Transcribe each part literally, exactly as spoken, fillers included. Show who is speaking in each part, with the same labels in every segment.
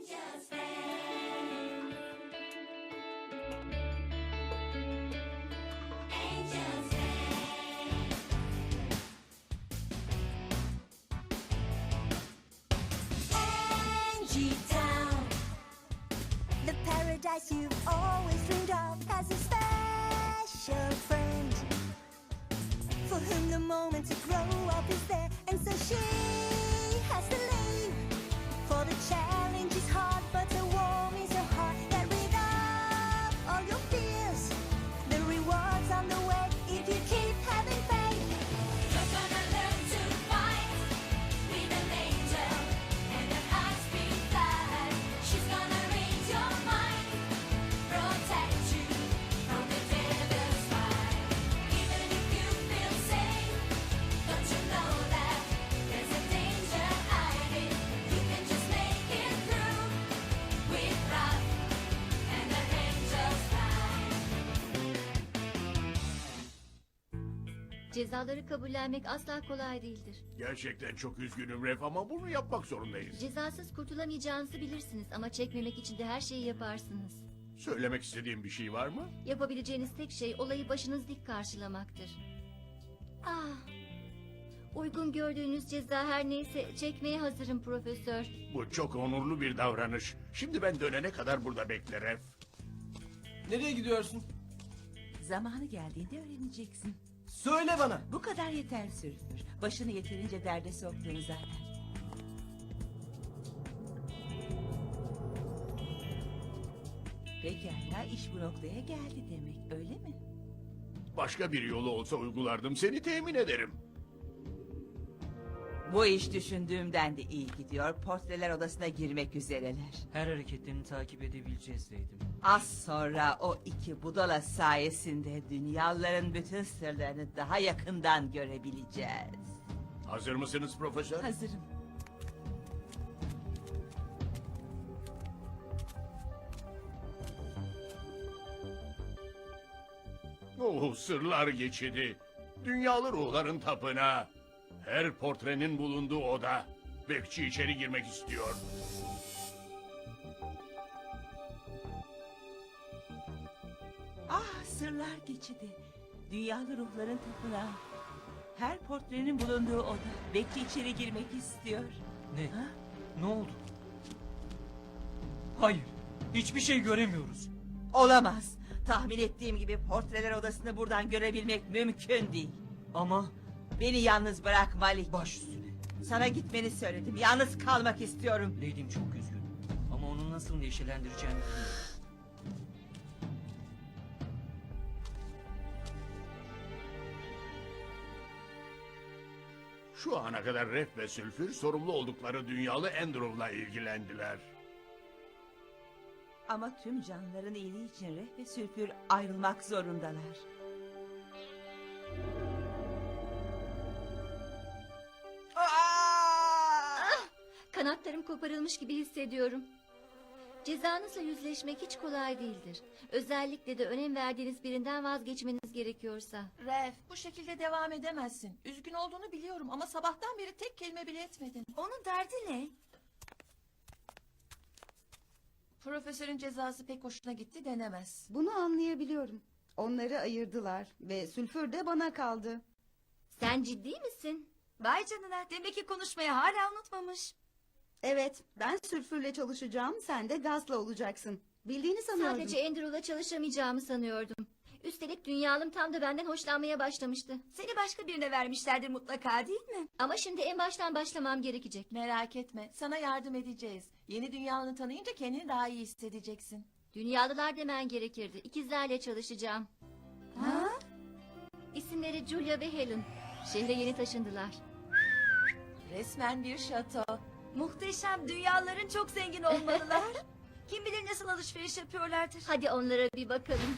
Speaker 1: Angel's fan. Angel's fan. Angie Town.
Speaker 2: The paradise you've always dreamed of has a special friend for whom the moment to grow up is there, and so she has to leave. For the challenge is hard, but the warm is her heart. Get rid of all your fears. The rewards on the way if you keep having faith.
Speaker 1: You're gonna learn to fight with an angel and an high-speed flight. She's gonna read your mind, protect you from the devil's fight. Even if you feel safe, don't you know that there's a danger hiding? You can just make it through with love and an angel's flight.
Speaker 3: Cezaları kabullenmek asla kolay değildir.
Speaker 4: Gerçekten çok üzgünüm Ref ama bunu yapmak zorundayız.
Speaker 3: Cezasız kurtulamayacağınızı bilirsiniz ama çekmemek için de her şeyi yaparsınız.
Speaker 4: Söylemek istediğim bir şey var mı?
Speaker 3: Yapabileceğiniz tek şey olayı başınız dik karşılamaktır. Ah, uygun gördüğünüz ceza her neyse çekmeye hazırım profesör.
Speaker 4: Bu çok onurlu bir davranış. Şimdi ben dönene kadar burada bekle Ref.
Speaker 5: Nereye gidiyorsun?
Speaker 6: Zamanı geldiğinde öğreneceksin.
Speaker 5: Söyle bana.
Speaker 6: Bu kadar yeter Sülfür. Başını yeterince derde soktun zaten. Pekala, iş bu noktaya geldi demek, öyle mi?
Speaker 4: Başka bir yolu olsa uygulardım, seni temin ederim.
Speaker 6: Bu iş düşündüğümden de iyi gidiyor. Portreler odasına girmek üzereler.
Speaker 7: Her hareketlerini takip edebileceğiz Leydim.
Speaker 6: Az sonra o iki budala sayesinde dünyaların bütün sırlarını daha yakından görebileceğiz.
Speaker 4: Hazır mısınız profesör?
Speaker 6: Hazırım.
Speaker 4: Oh, sırlar geçidi. Dünyalı ruhların tapınağı. Her portrenin bulunduğu oda. Bekçi içeri girmek istiyor.
Speaker 6: Ah, sırlar geçidi. Dünyalı ruhların tapınağı. Her portrenin bulunduğu oda. Bekçi içeri girmek istiyor.
Speaker 7: Ne?
Speaker 6: Ha?
Speaker 7: Ne oldu? Hayır. Hiçbir şey göremiyoruz.
Speaker 6: Olamaz. Tahmin ettiğim gibi portreler odasını buradan görebilmek mümkün değil.
Speaker 7: Ama
Speaker 6: Beni yalnız bırak Malik.
Speaker 7: baş üstüne.
Speaker 6: Sana gitmeni söyledim. Yalnız kalmak istiyorum.
Speaker 7: Leydim çok üzgün. Ama onu nasıl neşelendireceğimi bilmiyorum.
Speaker 4: Şu ana kadar Ref ve Sülfür sorumlu oldukları dünyalı Andrew'la ilgilendiler.
Speaker 6: Ama tüm canlıların iyiliği için Reh ve Sülfür ayrılmak zorundalar.
Speaker 3: Kanatlarım koparılmış gibi hissediyorum. Cezanızla yüzleşmek hiç kolay değildir. Özellikle de önem verdiğiniz birinden vazgeçmeniz gerekiyorsa.
Speaker 8: Ref, bu şekilde devam edemezsin. Üzgün olduğunu biliyorum ama sabahtan beri tek kelime bile etmedin.
Speaker 2: Onun derdi ne?
Speaker 8: Profesörün cezası pek hoşuna gitti denemez.
Speaker 9: Bunu anlayabiliyorum. Onları ayırdılar ve Sülfür de bana kaldı.
Speaker 3: Sen ciddi misin?
Speaker 2: Vay canına, demek ki konuşmayı hala unutmamış.
Speaker 9: Evet, ben Sülfür'le çalışacağım, sen de Gaz'la olacaksın. Bildiğini sanıyordum.
Speaker 3: Sadece Andrew'la çalışamayacağımı sanıyordum. Üstelik dünyalım tam da benden hoşlanmaya başlamıştı.
Speaker 2: Seni başka birine vermişlerdir mutlaka, değil mi?
Speaker 3: Ama şimdi en baştan başlamam gerekecek.
Speaker 8: Merak etme, sana yardım edeceğiz. Yeni dünyanı tanıyınca kendini daha iyi hissedeceksin.
Speaker 3: Dünyalılar demen gerekirdi. İkizlerle çalışacağım.
Speaker 9: Ha?
Speaker 3: İsimleri Julia ve Helen. Şehre yeni taşındılar.
Speaker 8: Resmen bir şato.
Speaker 2: Muhteşem, dünyaların çok zengin olmalılar. Kim bilir nasıl alışveriş yapıyorlardır.
Speaker 3: Hadi onlara bir bakalım.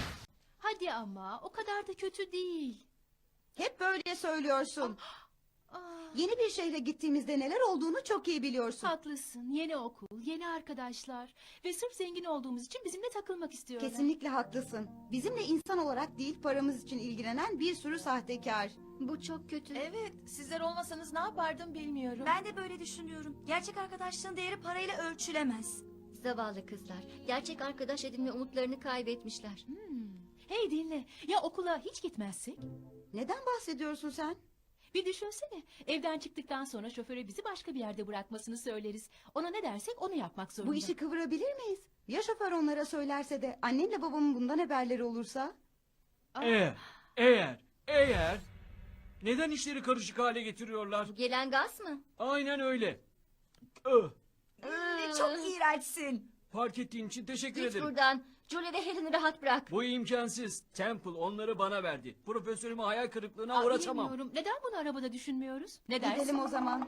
Speaker 8: Hadi ama, o kadar da kötü değil.
Speaker 9: Hep böyle söylüyorsun. Yeni bir şehre gittiğimizde neler olduğunu çok iyi biliyorsun.
Speaker 10: Haklısın. Yeni okul, yeni arkadaşlar ve sırf zengin olduğumuz için bizimle takılmak istiyorlar.
Speaker 9: Kesinlikle haklısın. Bizimle insan olarak değil paramız için ilgilenen bir sürü sahtekar.
Speaker 3: Bu çok kötü.
Speaker 8: Evet, sizler olmasanız ne yapardım bilmiyorum.
Speaker 1: Ben de böyle düşünüyorum. Gerçek arkadaşlığın değeri parayla ölçülemez.
Speaker 3: Zavallı kızlar. Gerçek arkadaş edinme umutlarını kaybetmişler.
Speaker 10: Hmm. Hey dinle. Ya okula hiç gitmezsek?
Speaker 9: Neden bahsediyorsun sen?
Speaker 10: Bir düşünsene. Evden çıktıktan sonra şoföre bizi başka bir yerde bırakmasını söyleriz. Ona ne dersek onu yapmak zorunda.
Speaker 9: Bu işi kıvırabilir miyiz? Ya şoför onlara söylerse de annemle babamın bundan haberleri olursa?
Speaker 7: Eğer, eğer, eğer... Neden işleri karışık hale getiriyorlar?
Speaker 3: Gelen gaz mı?
Speaker 7: Aynen öyle. Öh,
Speaker 1: Çok iğrençsin.
Speaker 7: fark ettiğin için teşekkür
Speaker 3: Git
Speaker 7: ederim.
Speaker 3: buradan. Julie ve Helen'i rahat bırak.
Speaker 7: Bu imkansız. Temple onları bana verdi. Profesörümü hayal kırıklığına
Speaker 10: Aa,
Speaker 7: uğratamam.
Speaker 10: bilmiyorum. Neden bunu arabada düşünmüyoruz? Ne dersin?
Speaker 9: Gidelim o zaman.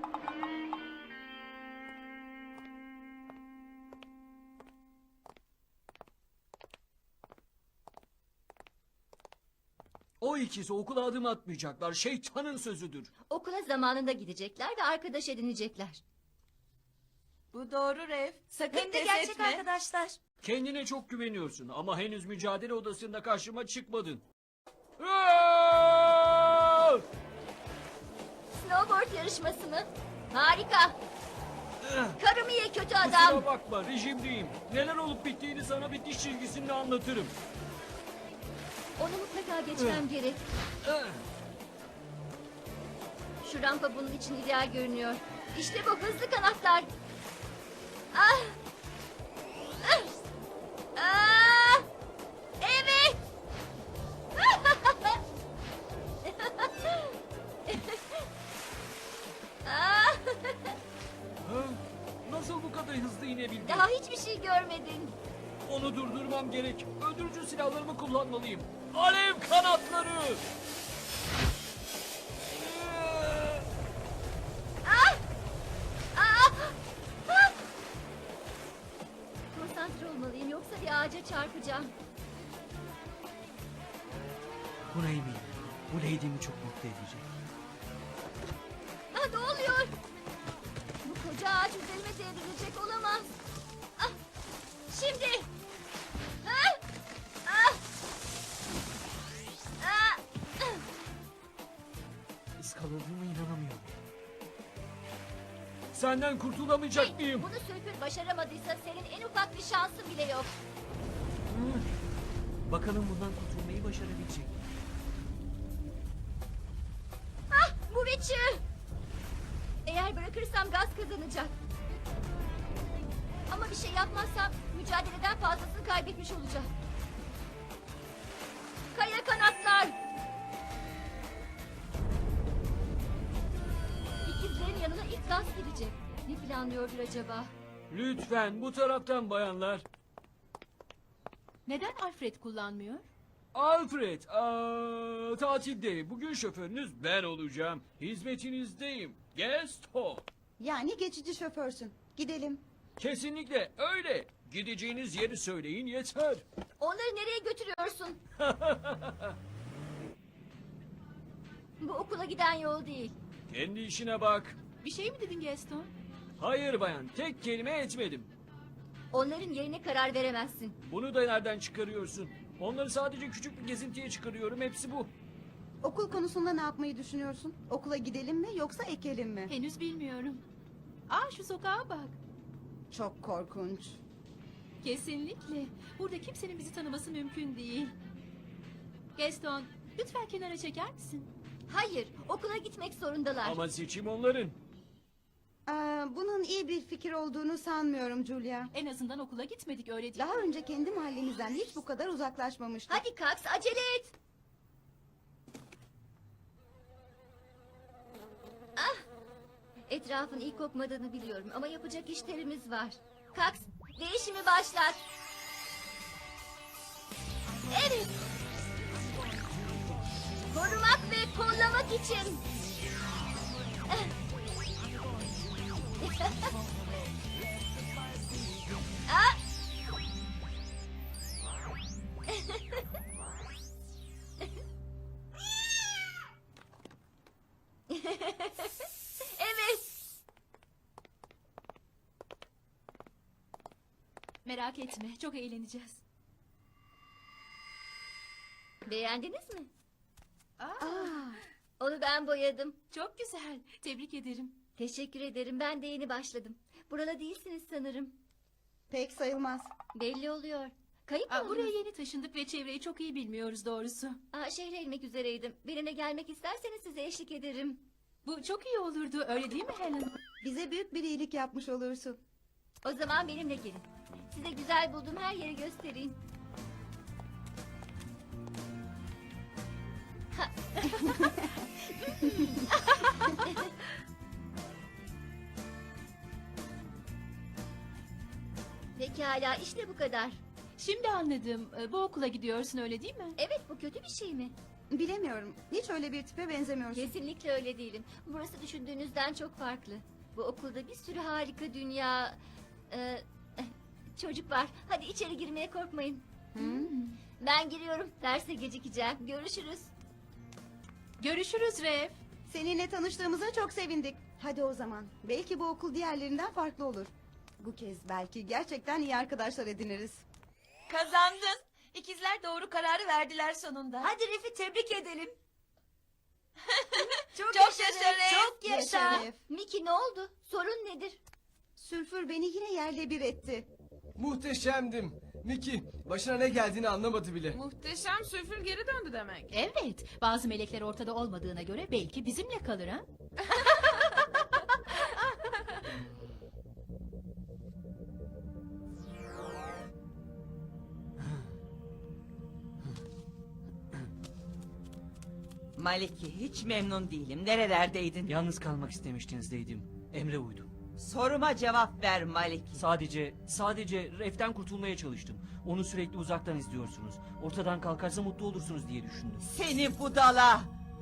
Speaker 7: O ikisi okula adım atmayacaklar. Şeytanın sözüdür.
Speaker 3: Okula zamanında gidecekler ve arkadaş edinecekler.
Speaker 8: Bu doğru Ref. Sakın
Speaker 1: Hem de
Speaker 8: pes
Speaker 1: gerçek
Speaker 8: etme.
Speaker 1: arkadaşlar.
Speaker 7: Kendine çok güveniyorsun ama henüz mücadele odasında karşıma çıkmadın. Aa!
Speaker 3: Snowboard yarışması mı? Harika. Karımı ye kötü
Speaker 7: Kusura
Speaker 3: adam.
Speaker 7: bakma, rejimdeyim. Neler olup bittiğini sana bir diş çizgisinde anlatırım.
Speaker 3: Onu mutlaka geçmem gerek.
Speaker 7: Ah!
Speaker 3: Şu rampa bunun için ideal görünüyor. İşte bu hızlı kanatlar. Ah! Ah! Ah! Evet! Ah!
Speaker 7: Ha? Nasıl bu kadar hızlı inebildin?
Speaker 3: Daha hiçbir şey görmedin.
Speaker 7: Onu durdurmam gerek. Öldürücü silahlarımı kullanmalıyım. Alev kanatları!
Speaker 3: Ah! Ah! Ah! Konsantre olmalıyım yoksa bir ağaca çarpacağım.
Speaker 7: Buna eminim. Bu lady'mi çok mutlu edecek.
Speaker 3: Ah, ne oluyor? Bu koca ağaç üzerime devrilecek olamaz. Ah, şimdi. Ah, ah, ah, ah.
Speaker 7: Iskaladığıma inanamıyorum. Senden kurtulamayacak
Speaker 3: Hey,
Speaker 7: mıyım?
Speaker 3: bunu Sülfür başaramadıysa senin en ufak bir şansın bile yok.
Speaker 7: Hı? Bakalım bundan kurtulmayı başarabilecek mi?
Speaker 3: Ah, bu bir çığ. Eğer bırakırsam gaz kazanacak. Ama bir şey yapmazsam mücadeleden fazlasını kaybetmiş olacağım. Kaya kanatlar. İkizlerin yanına ilk gaz gidecek. Ne planlıyordur acaba?
Speaker 7: Lütfen bu taraftan bayanlar.
Speaker 10: Neden Alfred kullanmıyor?
Speaker 7: Alfred, aa, tatilde. Bugün şoförünüz ben olacağım. Hizmetinizdeyim. Gaston.
Speaker 9: Yani geçici şoförsün. Gidelim.
Speaker 7: Kesinlikle öyle. Gideceğiniz yeri söyleyin yeter.
Speaker 3: Onları nereye götürüyorsun? Bu okula giden yol değil.
Speaker 7: Kendi işine bak.
Speaker 10: Bir şey mi dedin Gaston?
Speaker 7: Hayır bayan, tek kelime etmedim.
Speaker 3: Onların yerine karar veremezsin.
Speaker 7: Bunu da nereden çıkarıyorsun? Onları sadece küçük bir gezintiye çıkarıyorum, hepsi bu.
Speaker 9: Okul konusunda ne yapmayı düşünüyorsun? Okula gidelim mi yoksa ekelim mi?
Speaker 10: Henüz bilmiyorum. Aa şu sokağa bak.
Speaker 9: Çok korkunç.
Speaker 10: Kesinlikle. Burada kimsenin bizi tanıması mümkün değil. Gaston, lütfen kenara çeker misin?
Speaker 3: Hayır, okula gitmek zorundalar.
Speaker 7: Ama seçim onların.
Speaker 9: Aa, bunun iyi bir fikir olduğunu sanmıyorum Julia.
Speaker 10: En azından okula gitmedik öyle değil
Speaker 9: Daha
Speaker 10: mi?
Speaker 9: önce kendi mahallemizden hiç bu kadar uzaklaşmamıştık.
Speaker 3: Hadi Kax, acele et. Ah! Etrafın iyi kokmadığını biliyorum ama yapacak işlerimiz var. Kax, değişimi başlat. Evet. Korumak ve kollamak için. Ah!
Speaker 10: Merak etme, çok eğleneceğiz.
Speaker 3: Beğendiniz mi?
Speaker 10: Aa,
Speaker 3: Onu ben boyadım.
Speaker 10: çok güzel. Tebrik ederim.
Speaker 3: Teşekkür ederim. Ben de yeni başladım. Buralı değilsiniz sanırım.
Speaker 9: Pek sayılmaz.
Speaker 3: Belli oluyor. Kayıp mı
Speaker 10: Aa, buraya
Speaker 3: oldunuz?
Speaker 10: yeni taşındık ve çevreyi çok iyi bilmiyoruz doğrusu.
Speaker 3: Aa, şehre inmek üzereydim. Birine gelmek isterseniz size eşlik ederim.
Speaker 10: Bu çok iyi olurdu, öyle değil mi Helen?
Speaker 9: Bize büyük bir iyilik yapmış olursun.
Speaker 3: O zaman benimle gelin. Size güzel bulduğum her yeri göstereyim. Ha. Pekala, işte bu kadar.
Speaker 10: Şimdi anladım. Ee, Bu okula gidiyorsun, öyle değil mi?
Speaker 3: Evet, bu kötü bir şey mi?
Speaker 9: Bilemiyorum. Hiç öyle bir tipe benzemiyorsun.
Speaker 3: Kesinlikle öyle değilim. Burası düşündüğünüzden çok farklı. Bu okulda bir sürü harika dünya... e, eh, çocuk var. Hadi içeri girmeye korkmayın. Ben giriyorum. Derse gecikeceğim. Görüşürüz.
Speaker 10: Görüşürüz Rev.
Speaker 9: Seninle tanıştığımıza çok sevindik. Hadi o zaman. Belki bu okul diğerlerinden farklı olur. Bu kez belki gerçekten iyi arkadaşlar ediniriz.
Speaker 8: Kazandın. İkizler doğru kararı verdiler sonunda.
Speaker 3: Hadi Ref'i tebrik edelim.
Speaker 8: Çok, yaşa Ref.
Speaker 3: Çok yaşa.
Speaker 9: Yaşa Ref.
Speaker 3: Miki ne oldu? Sorun nedir?
Speaker 9: Sülfür beni yine yerle bir etti.
Speaker 5: Muhteşemdim. Miki başına ne geldiğini anlamadı bile.
Speaker 11: Muhteşem sülfür geri döndü demek.
Speaker 10: Evet, bazı melekler ortada olmadığına göre belki bizimle kalır ha?
Speaker 6: Maliki, hiç memnun değilim. Nerelerdeydin?
Speaker 12: Yalnız kalmak istemiştiniz deydim. Emre uydum.
Speaker 6: Soruma cevap ver Maliki.
Speaker 12: Sadece, sadece Ref'ten kurtulmaya çalıştım. Onu sürekli uzaktan izliyorsunuz. Ortadan kalkarsa mutlu olursunuz diye düşündüm.
Speaker 6: Seni budala!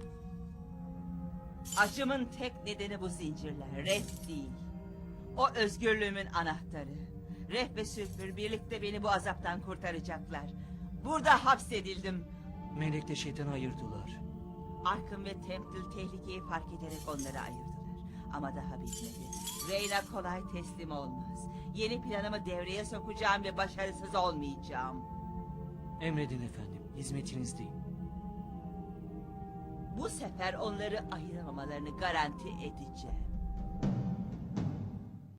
Speaker 6: Acımın tek nedeni bu zincirler. Ref değil. O özgürlüğümün anahtarı. Ref ve Sülfür birlikte beni bu azaptan kurtaracaklar. Burada hapsedildim.
Speaker 12: Melek'le şeytanı ayırdılar.
Speaker 6: Arkın ve Temple tehlikeyi fark ederek onları ayırdılar. Ama daha bitmedi. Reyna kolay teslim olmaz. Yeni planımı devreye sokacağım ve başarısız olmayacağım.
Speaker 12: Emredin efendim, hizmetinizdeyim.
Speaker 6: Bu sefer onları ayıramamalarını garanti edeceğim.